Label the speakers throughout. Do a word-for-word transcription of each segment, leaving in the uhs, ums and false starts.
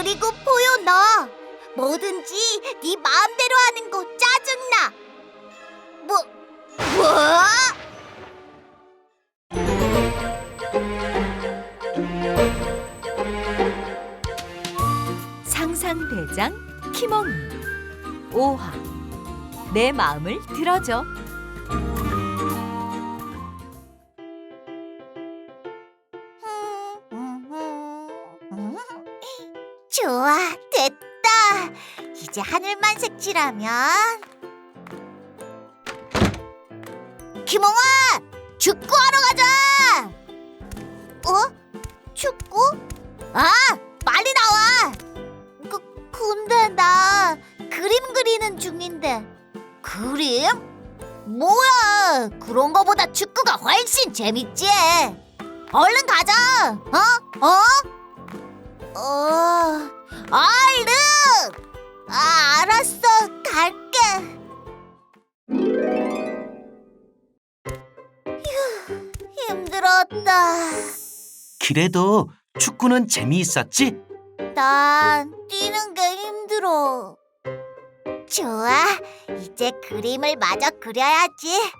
Speaker 1: 그리고 포요 너 뭐든지 네 마음대로 하는 거 짜증나. 뭐? 뭐?
Speaker 2: 상상대장 키몽이 오 화 내 마음을 들어줘.
Speaker 1: 좋아, 됐다. 이제 하늘만 색칠하면. 키몽아, 축구하러 가자. 어? 축구? 아, 빨리 나와. 그, 근데 나 그림 그리는 중인데. 그림? 뭐야, 그런 거보다 축구가 훨씬 재밌지. 얼른 가자. 어? 어? 어, 얼른! 아, 알았어, 갈게. 휴, 힘들었다.
Speaker 3: 그래도 축구는 재미있었지?
Speaker 1: 난 뛰는 게 힘들어. 좋아, 이제 그림을 마저 그려야지.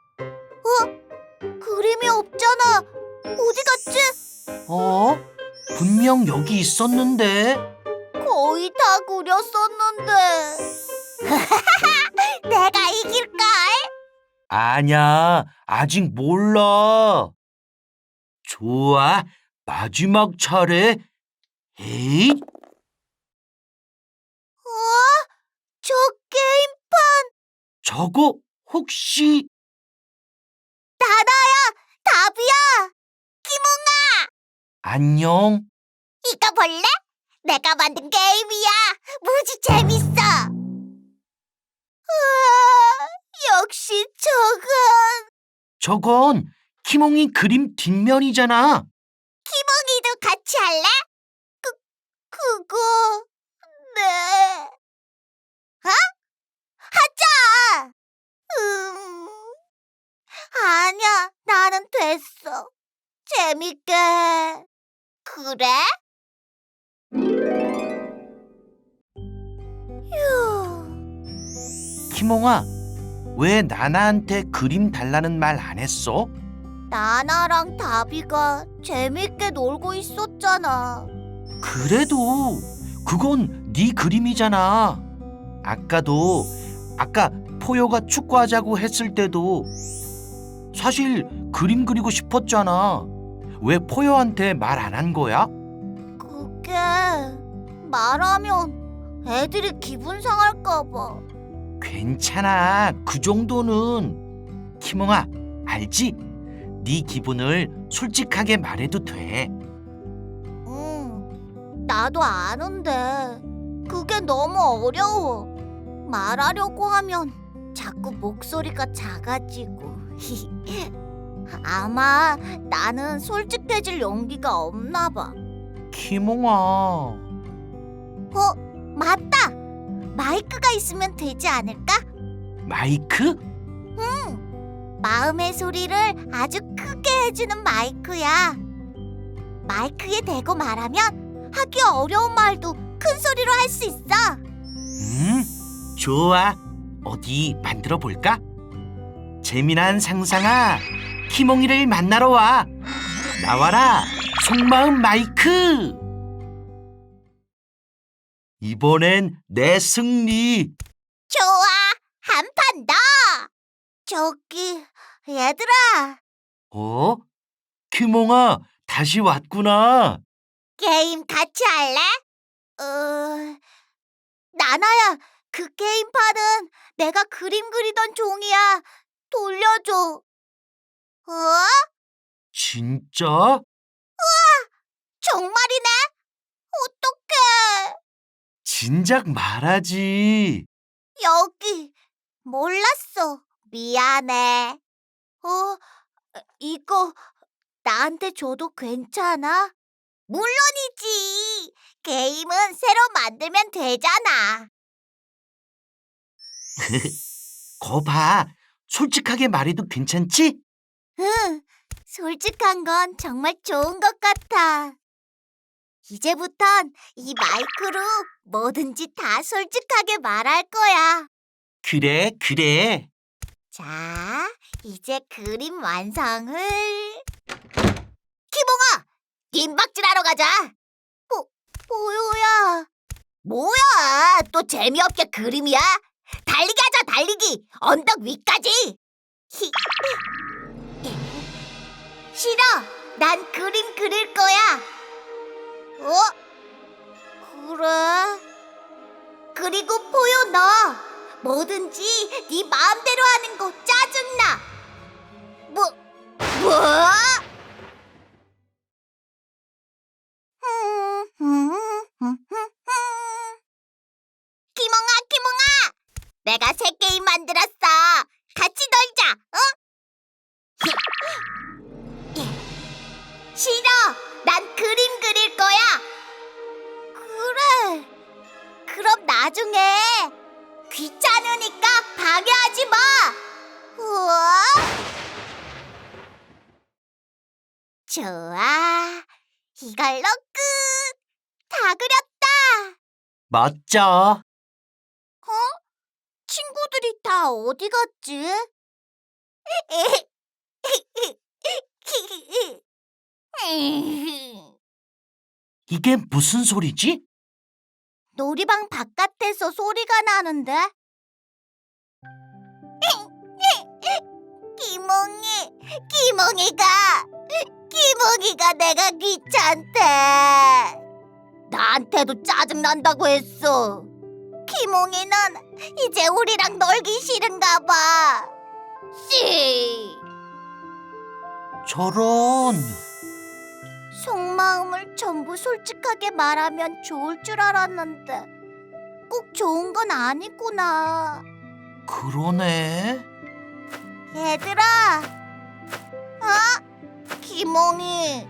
Speaker 1: 어? 그림이 없잖아. 어디 갔지?
Speaker 3: 어? 분명 여기 있었는데.
Speaker 1: 거의 다 그렸었는데. 내가 이길걸?
Speaker 3: 아냐, 아직 몰라. 좋아, 마지막 차례. 에이,
Speaker 1: 어? 저 게임판
Speaker 3: 저거 혹시...
Speaker 1: 나나야, 답이야. 키몽아,
Speaker 3: 안녕?
Speaker 1: 이거 볼래? 내가 만든 게임이야. 무지 재밌어. 우와, 역시 저건
Speaker 3: 저건 키몽이 그림 뒷면이잖아.
Speaker 1: 키몽이도 같이 할래? 그, 그거... 네... 어? 하자! 음... 아니야, 나는 됐어. 재밌게. 그래? 휴...
Speaker 3: 키몽아, 왜 나나한테 그림 달라는 말 안 했어?
Speaker 1: 나나랑 다비가 재밌게 놀고 있었잖아.
Speaker 3: 그래도 그건 네 그림이잖아. 아까도 아까 포효가 축구하자고 했을 때도 사실 그림 그리고 싶었잖아. 왜 포효한테 말 안 한 거야?
Speaker 1: 그게 말하면 애들이 기분 상할까 봐.
Speaker 3: 괜찮아. 그 정도는. 키몽아, 알지? 네 기분을 솔직하게 말해도 돼.
Speaker 1: 응, 나도 아는데 그게 너무 어려워. 말하려고 하면 자꾸 목소리가 작아지고. 아마 나는 솔직해질 용기가 없나 봐.
Speaker 3: 키몽아.
Speaker 1: 어, 맞다. 마이크가 있으면 되지 않을까?
Speaker 3: 마이크?
Speaker 1: 마음의 소리를 아주 크게 해주는 마이크야. 마이크에 대고 말하면 하기 어려운 말도 큰 소리로 할 수 있어.
Speaker 3: 음, 좋아. 어디 만들어 볼까? 재미난 상상아, 키몽이를 만나러 와. 나와라, 속마음 마이크. 이번엔 내 승리.
Speaker 1: 좋아, 한 판 더. 저기, 얘들아,
Speaker 3: 어? 키몽아, 다시 왔구나.
Speaker 1: 게임 같이 할래? 어, 나나야, 그 게임판은 내가 그림 그리던 종이야. 돌려줘. 어?
Speaker 3: 진짜?
Speaker 1: 정말이네? 어떡해.
Speaker 3: 진작 말하지.
Speaker 1: 여기, 몰랐어. 미안해. 어, 이거 나한테 줘도 괜찮아? 물론이지. 게임은 새로 만들면 되잖아.
Speaker 3: 거 봐. 솔직하게 말해도 괜찮지?
Speaker 1: 응, 솔직한 건 정말 좋은 것 같아. 이제부턴 이 마이크로 뭐든지 다 솔직하게 말할 거야.
Speaker 3: 그래, 그래.
Speaker 1: 자, 이제 그림 완성을. 키몽아, 김박질하러 가자. 뭐, 뭐야? 뭐야? 또 재미없게 그림이야? 달리기 하자, 달리기. 언덕 위까지. 히. 싫어. 난 그림 그릴 거야. 어? 그래? 그리고 포효 너 뭐든지 네 마음대로 하는 거 짜증나. 뭐? 뭐? 키몽아, 키몽아, 내가 새 게임 만들었어. 같이 놀자. 어? 싫어. 난 그림 그릴 거야. 그래. 그럼 나중에. 귀찮으니까 방해하지 마. 우와. 좋아. 이걸로 끝. 다 그렸다.
Speaker 3: 멋져.
Speaker 1: 어? 친구들이 다 어디 갔지?
Speaker 3: 이게 무슨 소리지?
Speaker 1: 놀이방 바깥에서 소리가 나는데? 기몽이, 기몽이가, 기몽이가 내가 귀찮대. 나한테도 짜증난다고 했어. 기몽이는 이제 우리랑 놀기 싫은가 봐. 씨.
Speaker 3: 저런.
Speaker 1: 속마음을 전부 솔직하게 말하면 좋을 줄 알았는데 꼭 좋은 건 아니구나.
Speaker 3: 그러네.
Speaker 1: 얘들아, 어? 기몽이,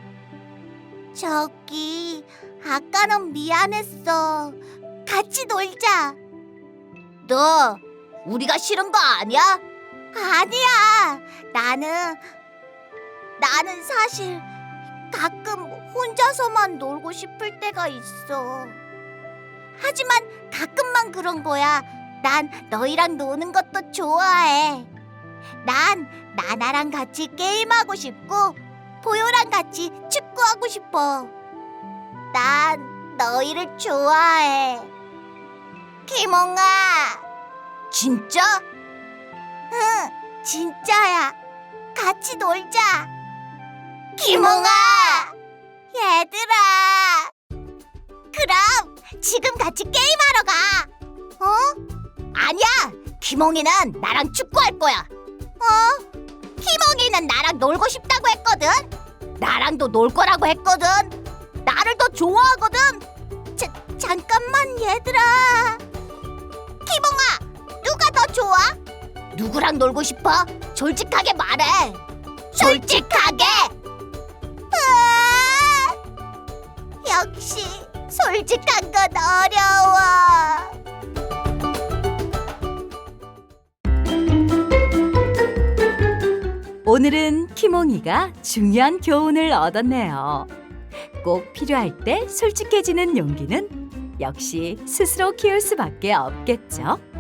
Speaker 1: 저기 아까는 미안했어. 같이 놀자. 너 우리가 싫은 거 아니야? 아니야. 나는 나는 사실 가끔 혼자서만 놀고 싶을 때가 있어. 하지만 가끔만 그런 거야. 난 너희랑 노는 것도 좋아해. 난 나나랑 같이 게임하고 싶고 보요랑 같이 축구하고 싶어. 난 너희를 좋아해. 키몽아. 진짜? 응, 진짜야. 같이 놀자. 키몽아. 얘들아. 그럼 지금 같이 게임하러 가. 어? 아니야. 키몽이는 나랑 축구할 거야. 어? 키몽이는 나랑 놀고 싶다고 했거든. 나랑도 놀 거라고 했거든. 나를 더 좋아하거든. 자, 잠깐만 얘들아. 키몽아, 누가 더 좋아? 누구랑 놀고 싶어? 솔직하게 말해. 솔직하게. 으아! 역시 솔직한 건 어려워.
Speaker 2: 오늘은 키몽이가 중요한 교훈을 얻었네요. 꼭 필요할 때 솔직해지는 용기는 역시 스스로 키울 수밖에 없겠죠.